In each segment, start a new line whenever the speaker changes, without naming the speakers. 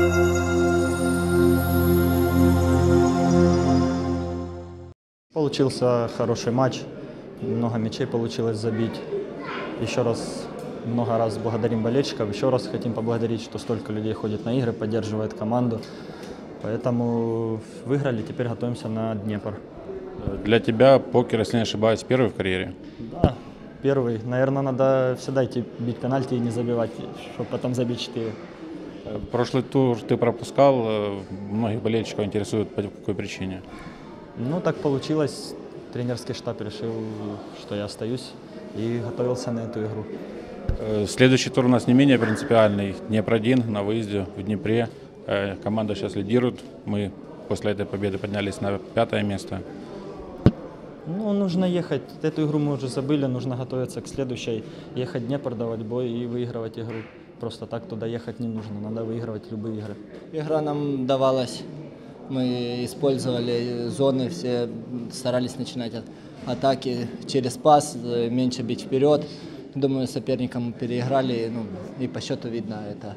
Получился хороший матч, много мячей получилось забить. Еще раз, много раз благодарим болельщиков, еще раз хотим поблагодарить, что столько людей ходит на игры, поддерживает команду. Поэтому выиграли, теперь готовимся на Днепр.
Для тебя покер, если не ошибаюсь, первый в карьере?
Да, первый. Наверное, надо всегда идти бить пенальти и не забивать, чтобы потом забить 4.
Прошлый тур ты пропускал, многих болельщиков интересует, по какой причине?
Ну, так получилось. Тренерский штаб решил, что я остаюсь, и готовился на эту игру.
Следующий тур у нас не менее принципиальный. Днепр-1 на выезде в Днепре. Команда сейчас лидирует. Мы после этой победы поднялись на 5-е место.
Ну, нужно ехать. Эту игру мы уже забыли, нужно готовиться к следующей. Ехать в Днепр, давать бой и выигрывать игру. Просто так туда ехать не нужно, надо выигрывать любые игры.
Игра нам давалась. Мы использовали зоны, все старались начинать атаки через пас, меньше бить вперед. Думаю, соперникам переиграли, и по счету видно это.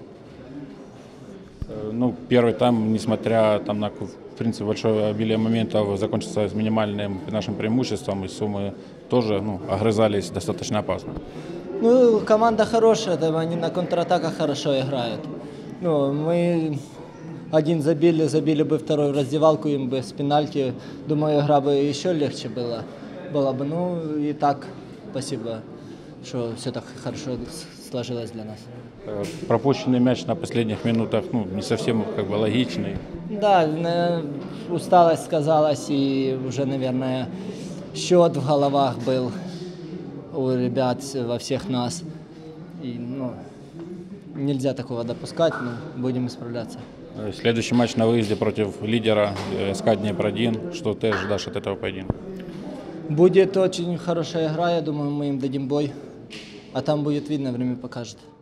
Ну, первый тайм, несмотря там на, в принципе, большое обилие моментов, закончился с минимальным нашим преимуществом, и Сумы тоже огрызались достаточно опасно.
Ну, команда хорошая, они на контратаках хорошо играют. Мы один забили бы второй в раздевалку, им бы с пенальти. Думаю, игра бы еще легче была бы. Ну и так, спасибо, что все так хорошо сложилось для нас.
Пропущенный мяч на последних минутах, не совсем логичный.
Да, усталость сказалась, и уже, наверное, счет в головах был у ребят, во всех нас. И, нельзя такого допускать, но будем исправляться.
Следующий матч на выезде против лидера СК Днепр-1. Что ты ожидаешь от этого поединка?
Будет очень хорошая игра, я думаю, мы им дадим бой. А там будет видно, время покажет.